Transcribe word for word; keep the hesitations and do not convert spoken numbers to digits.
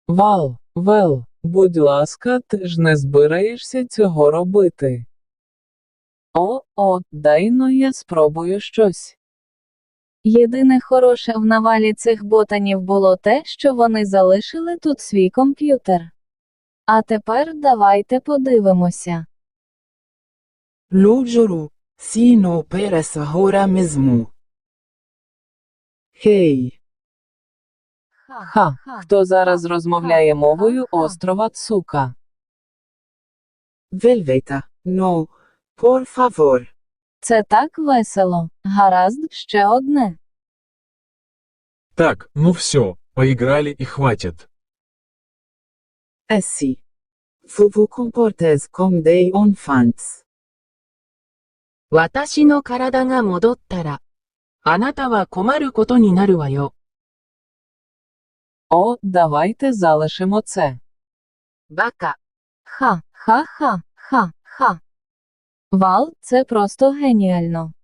Вал, Вел, будь ласка, ти ж не збираєшся цього робити. О, о, дай-но я спробую щось. Єдине хороше в навалі цих ботанів було те, що вони залишили тут свій комп'ютер. А тепер давайте подивимося. Lo giuro, sì no peres ora mesmo. Хей, Ха, хто зараз розмовляє мовою острова Цука? Velveta, no, por favor. Це так весело. Гаразд, ще одне. Так, ну все, поиграли и хватит. Assim. Vous vous comportez comme des enfants. 私の体が戻ったら、あなたは困ることになるわよ。 О, давайте залишимо це. バカ。 Ха, ха, ха, ха, ха. Вал, це просто геніально.